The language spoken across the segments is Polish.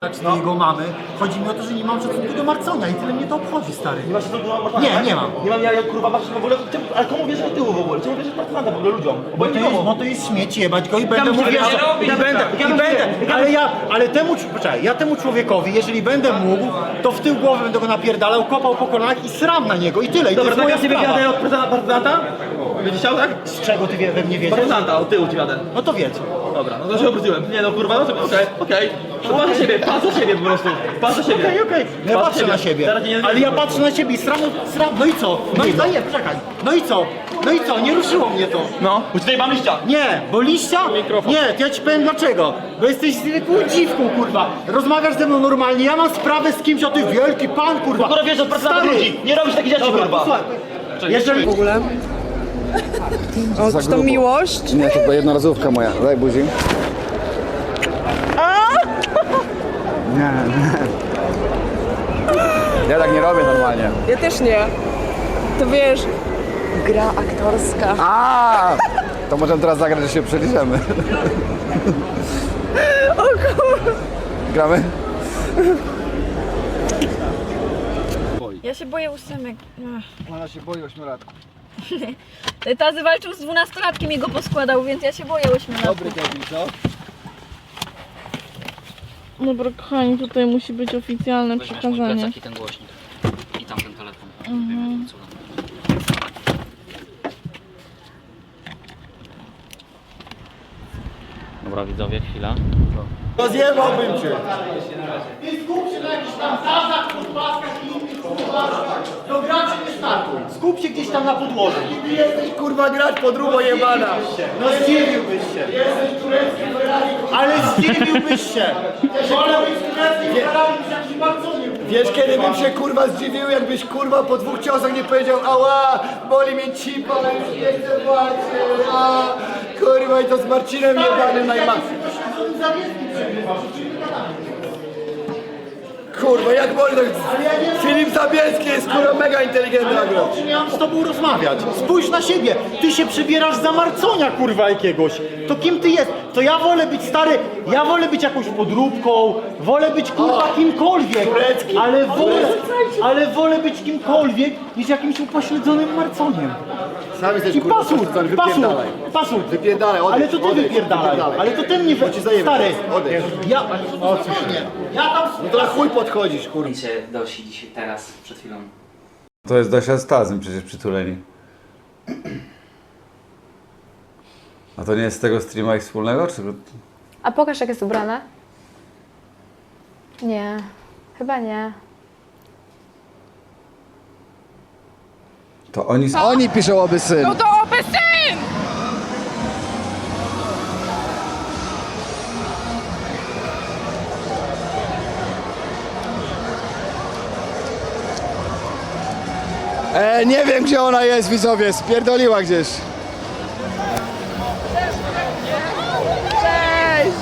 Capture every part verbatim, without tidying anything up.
No. Jego mamy. Chodzi mi o to, że nie mam szacunku do Marconia i tyle mnie to obchodzi, stary. Nie masz szacunku do Marcona? Nie, nie mam. Nie mam, ja, ja kurwa masz w ogóle, czemu, ale komu wierzysz do tyłu w ogóle? Czemu wierzysz Marcona w ogóle ludziom? Bo to, jest, bo to jest śmieć, jebać go i będę mu się wierzał. nie I robi, będę, tak. i będę. Ale ja, ale temu, poczekaj, ja temu człowiekowi, jeżeli będę mógł, to w tył głowy będę go napierdalał, kopał po kolanach i sram na niego i tyle. I Dobra, to tak jest ja moja ciebie sprawa. wiadę od prezydenta? Będziesz chciał, tak? Z czego ty wie, we mnie wiedziesz? Prezydenta, od tyłu ci wiadę. No to wiedz. Dobra, no to się obróciłem. Nie no kurwa, no to okej, okej. No patrz na siebie, patrz na siebie po prostu. Patrz na siebie. Okej, okej. Ja Patrz patrzę na siebie. Teraz nie, Ale ja patrzę na siebie i sram, sram, no i co? No i co? Nie, poczekaj. No i co? No i co? Nie ruszyło mnie to. No, bo tutaj mam liścia. Nie, bo liścia? Nie, to ja ci powiem dlaczego. Bo jesteś zwykłą dziwką, kurwa. Rozmawiasz ze mną normalnie, ja mam sprawę z kimś, o ty wielki pan, kurwa. Kurwa wiesz od prezydenta Stary. ludzi. Nie robisz takich rzeczy, Dobra, kurwa. posłuchaj. Jeżeli... W ogóle? O, czy to miłość? Nie, to była jednorazówka moja. Daj buzi. Nie, nie. Ja tak nie robię normalnie. Ja też nie. To wiesz, gra aktorska. A! To możemy teraz zagrać, że się przeliczemy. O kur... Gramy? Ja się boję ósemek. Ach. Ona się boi ośmiolatków. Tazy walczył z dwunastolatkiem i go poskładał, więc ja się boję ośmiolatków. Dobry Kevin, co? Dobra, kochani, tutaj musi być oficjalne Weźmiesz mój przekazanie. plecak i ten głośnik. I tamten telefon. Mhm. Dobra widzowie, chwila. Rozjebałbym cię. Ty skup się na jakichś tam zazach, podpaskach i innych kurwach. Do graczy nie startuj. Skup się gdzieś tam na podłożu. Ty jesteś kurwa grać podróbą jebana. No zdziwiłbyś się. Jesteś turecki Ferrari. Ale zdziwiłbyś się. Wolę być tureckim Ferrari niż jakimś Marconiem. Wiesz, kiedy bym się kurwa zdziwił, jakbyś kurwa po dwóch ciosach nie powiedział ała, boli mnie cipa, ale już nie chcę walczyć, a kurwa i to z Marcinem jebanym najmacniej. Kurwa, jak można? Filip Zabielski jest kurwa mega inteligentny nagle. Czy miałem z tobą rozmawiać? Spójrz na siebie. Ty się przybierasz za Marconia, kurwa, jakiegoś. To kim ty jest? To ja wolę być stary, ja wolę być jakąś podróbką, wolę być kurwa kimkolwiek. Ale wolę, ale wolę być kimkolwiek niż jakimś upośledzonym Marconiem. Sam jesteś I kurwa pasur, pośledzony, pasur, wypierdalaj. pasur. Wypierdalaj, odejdź, Ale to ty odejdź, wypierdalaj. wypierdalaj. Ale to ten nie Bo ci zajebie, stary. odejdź. Ja, o co się? Ja tam No to na chuj podchodzisz kurwa. Zdjęcie Dosi dzisiaj, teraz, przed chwilą. To jest Dosia z Tazem przecież przytuleni. A to nie jest z tego streama ich wspólnego? Czy... A pokaż, jak jest ubrane. Nie, chyba nie. To oni, oni piszą oby syn. No to oby syn! E, nie wiem gdzie ona jest, widzowie, spierdoliła gdzieś. Cześć!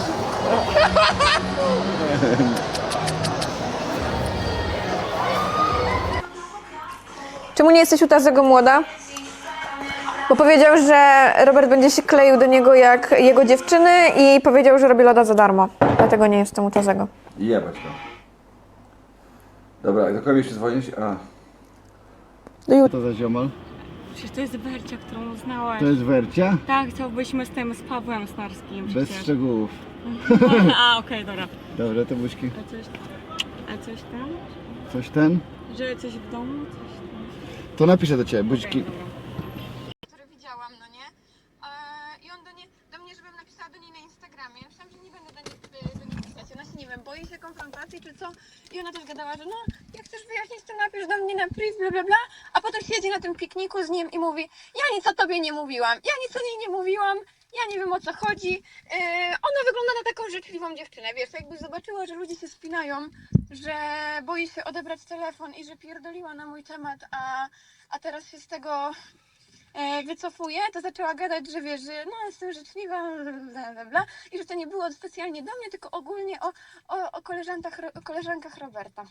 Czemu nie jesteś u Tazego młoda? Bo powiedział, że Robert będzie się kleił do niego jak jego dziewczyny i powiedział, że robi loda za darmo. Dlatego nie jestem u Tazego. Jebać to. Dobra, do kogo mi jeszcze dzwonić? A. Do jutra. To za ziomal? Przecież to jest Wercia, którą znałaś. To jest Wercia? Tak, chciałbyśmy z tym, z Pawłem Snarskim Bez przecież. szczegółów. A, okej, dobra. Dobra, to buźki. A coś, a coś tam? Coś ten? Że coś w domu? Coś tam? To napiszę do ciebie, buźki. Który widziałam, no nie? Eee, I on do, nie, do mnie, żebym napisała do niej na Instagramie. Ja myślałam, że nie będę do niej, do niej pisać. Ona się, nie wiem, boi się konfrontacji czy co. I ona też gadała, że no, jak chcesz wyjaśnić, to napisz do mnie na priv, bla bla bla. A potem siedzi na tym pikniku z nim i mówi, ja nic o tobie nie mówiłam, ja nic o niej nie mówiłam. Ja nie wiem o co chodzi. Yy, ona wygląda na taką życzliwą dziewczynę, wiesz, jakby zobaczyła, że ludzie się spinają, że boi się odebrać telefon i że pierdoliła na mój temat, a, a teraz się z tego e, wycofuje, to zaczęła gadać, że wiesz, że no jestem życzliwa, bla, bla, bla, i że to nie było specjalnie do mnie, tylko ogólnie o, o, o, koleżankach, o koleżankach Roberta.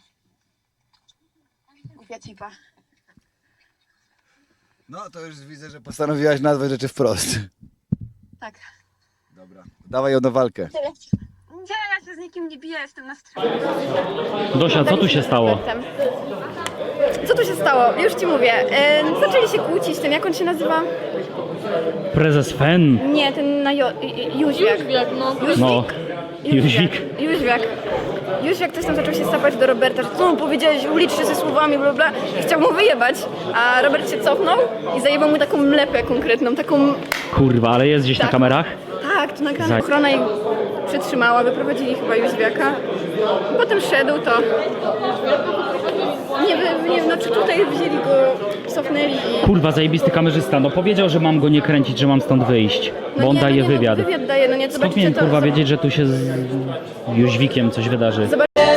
Głupia cipa. No to już widzę, że postanowiłaś nazwać rzeczy wprost. Tak. Dobra. Dawaj ją na walkę. Tyle. Nie, ja się z nikim nie biję, jestem na stronie. Dosia, co tu się stało? Co tu się stało? Już ci mówię. E, zaczęli się kłócić, ten jak on się nazywa? Prezes Fen? Nie, ten na jo- Ju- Jóźwiak. Jóźwiak, no. No, Jóźwik. Jóźwiak. Jóźwiak też tam zaczął się sapać do Roberta, że co mu powiedziałeś, uliczcie ze słowami, bla bla. I chciał mu wyjebać, a Robert się cofnął i zajebał mu taką mlepę konkretną, taką... Kurwa, ale jest gdzieś na Tak. kamerach? Tak, to nagrane. Za- Ochrona ich przytrzymała, wyprowadzili chyba Jóźwiaka. Potem szedł, to... Nie wiem, nie wiem, no czy tutaj wzięli go, cofnęli i... Kurwa, zajebisty kamerzysta. No powiedział, że mam go nie kręcić, że mam stąd wyjść. No Bo on nie, daje no nie, wywiad. No, wywiad daje, no nie, Skąd zobaczycie miałem to... kurwa zob- wiedzieć, że tu się z Jóźwikiem coś wydarzy?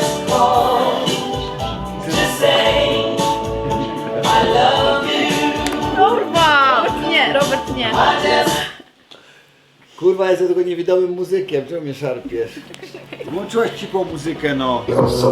Kurwa! Nie, Robert nie. Kurwa, jestem tylko niewidomym muzykiem, czemu mnie szarpiesz? Włączyłaś ci po muzykę, no.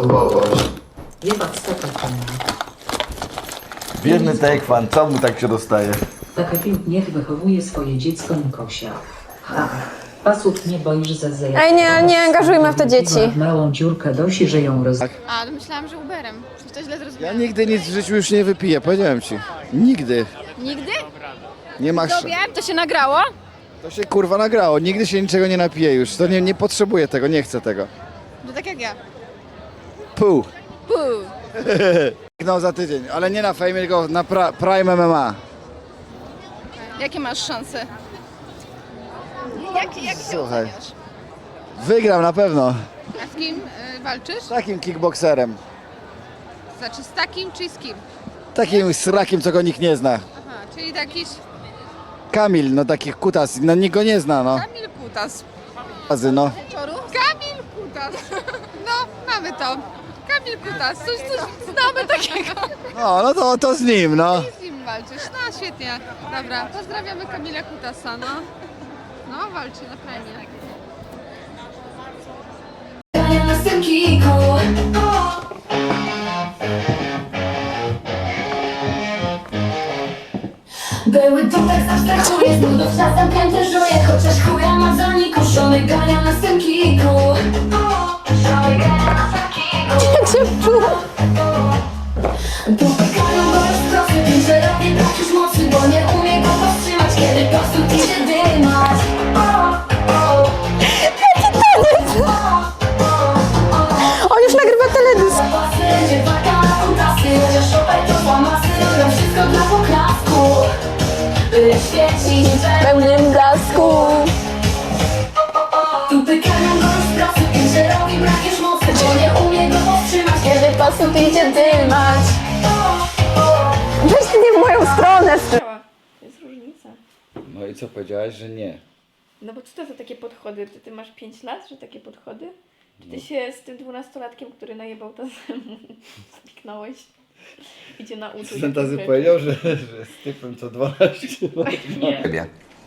Biedny Tejkwan, co mu tak się dostaje? Taka film niech wychowuje swoje dziecko Nikosia. Ha. Pasów nie boisz za zajęcie. Ej, nie, nie angażujmy w to dzieci. Małą dziurkę Dosi, że ją roz... A, to myślałam, że Uberem. Czy to źle Ja zrozumiałam? nigdy nic w życiu już nie wypiję, powiedziałem ci. Nigdy. Nigdy? Nie masz... To wiem, to się nagrało? To się kurwa nagrało, nigdy się niczego nie napiję już. To nie, nie potrzebuję tego, nie chcę tego. To tak jak ja. Pół. Puu. No za tydzień, ale nie na Fame, tylko na pra, Prime M M A. Jakie masz szanse? Jak, jak się Słuchaj. oceniasz? Wygram na pewno. A z kim y, walczysz? Z takim kickbokserem. Znaczy z takim czy z kim? Takim srakiem, co go nikt nie zna. Aha, czyli jakiś Kamil, no takich kutas, no nikt go nie zna, no. Kamil Kutas. Razy, no. Kamil Kutas. No, mamy to. Kamil Kutas. Coś, coś znamy takiego. No, no to, to z nim, no. Z nim walczysz. No, świetnie. Dobra, pozdrawiamy Kamila Kutasa, no. No, walczy na fajnie. Były to tak abstrahuję, z nudów czas zamknięty żuję. Chociaż chuja ma za nikuszony, gania na tym kiku. Szalej gania na tym kiku. Jak się czuła? Dotykają go już prosty, wiem, że robię brak już mocy, bo nie umie go powstrzymać, kiedy po prostu idzie dymać. On już nagrywa teledysk. Nie waka na kontrasty, chociaż szopaj to zamasy, robią wszystko dla poklasku. By świecić we Pełnym blasku. Dotykają go już prosty, wiem, że robi brak już mocy, bo nie umie go powstrzymać, kiedy po prostu idzie dymać. Weź ty nie w moją stronę. Jest różnica. No i co powiedziałaś, że nie? No bo co to za takie podchody? Ty, ty masz pięć lat, że takie podchody? Czy ty się z tym dwunastolatkiem, który najebał tazemu, spiknąłeś? Idzie na uczuć. Ten tazy powiedział, że, że z typem co dwanaście lat. Nie.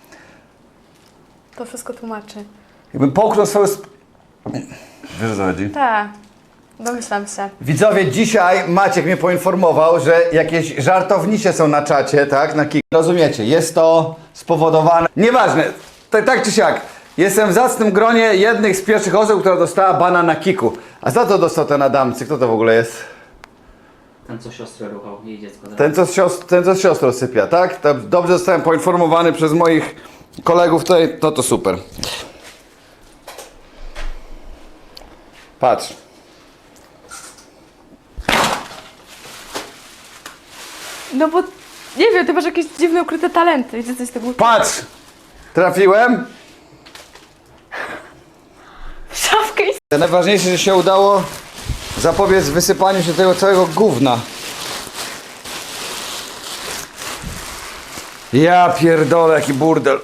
To wszystko tłumaczy. Jakbym połknął swoją... Sp... Wiesz o co chodzi? Tak. Domyślam się. Widzowie, dzisiaj Maciek mnie poinformował, że jakieś żartownicze są na czacie, tak? Na kick. Rozumiecie, jest to spowodowane... Nieważne, tak, tak czy siak. Jestem w zacnym gronie jednych z pierwszych osób, która dostała bana na kiku. A za to dostał ten Adamcy. Kto to w ogóle jest? Ten, co siostrę ruchał, jej dziecko. Ten, co z siostr, ten, co z siostrą sypia, tak? To dobrze zostałem poinformowany przez moich kolegów tutaj. To to super. Patrz. No bo nie wiem, ty masz jakieś dziwne ukryte talenty. Wiecie coś z tego? Patrz! Trafiłem. Szafkę i... Najważniejsze, że się udało zapobiec wysypaniu się tego całego gówna. Ja pierdolę, jaki burdel.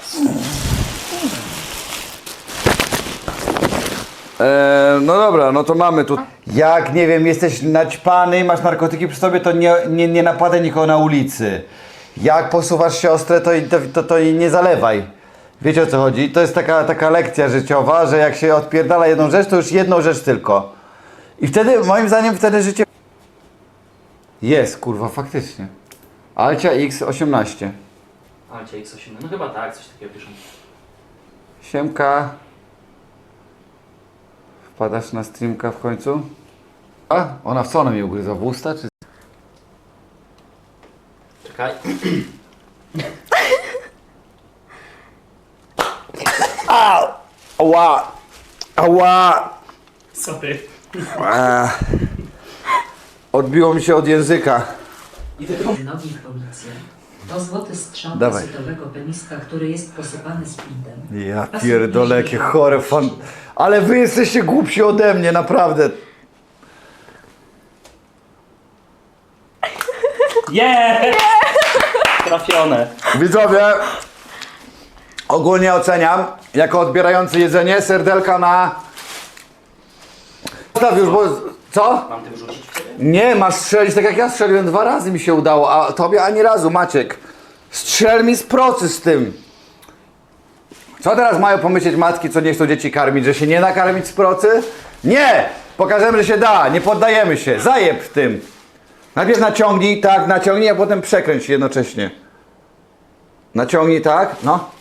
Eee, no dobra, no to mamy tu. Jak, nie wiem, jesteś naćpany i masz narkotyki przy sobie, to nie, nie, nie napadaj nikogo na ulicy. Jak posuwasz siostrę, to, to, to, to jej nie zalewaj. Wiecie o co chodzi? To jest taka, taka lekcja życiowa, że jak się odpierdala jedną rzecz, to już jedną rzecz tylko. I wtedy, moim zdaniem, wtedy życie... Jest, kurwa, faktycznie. Alcia X osiemnaście. Alcia X osiem, no chyba tak, coś takiego piszą. Siemka. Wpadasz na streamka w końcu? A? Ona w co ona mi ugryzła? W usta czy... Czekaj. Ała! Ała! Sorry. Eee. Odbiło mi się od języka. Nogi policja. To złoty strzał Dawaj. kasetowego peniska, który jest posypany speedem. Ja pierdolę, jakie chore fan... Ale wy jesteście głupsi ode mnie, naprawdę. Yeah! Trafione. Widzowie, ogólnie oceniam, jako odbierający jedzenie, serdelka na... Zostaw już, bo... Co? Mam tym rzucić w ciebie? Nie, masz strzelić tak jak ja strzeliłem, dwa razy mi się udało, a tobie ani razu, Maciek. Strzel mi z procy z tym. Co teraz mają pomyśleć matki, co nie chcą dzieci karmić, że się nie da karmić z procy? Nie! Pokażemy, że się da, nie poddajemy się, zajeb w tym. Najpierw naciągnij, tak, naciągnij, a potem przekręć jednocześnie. Naciągnij, tak, no.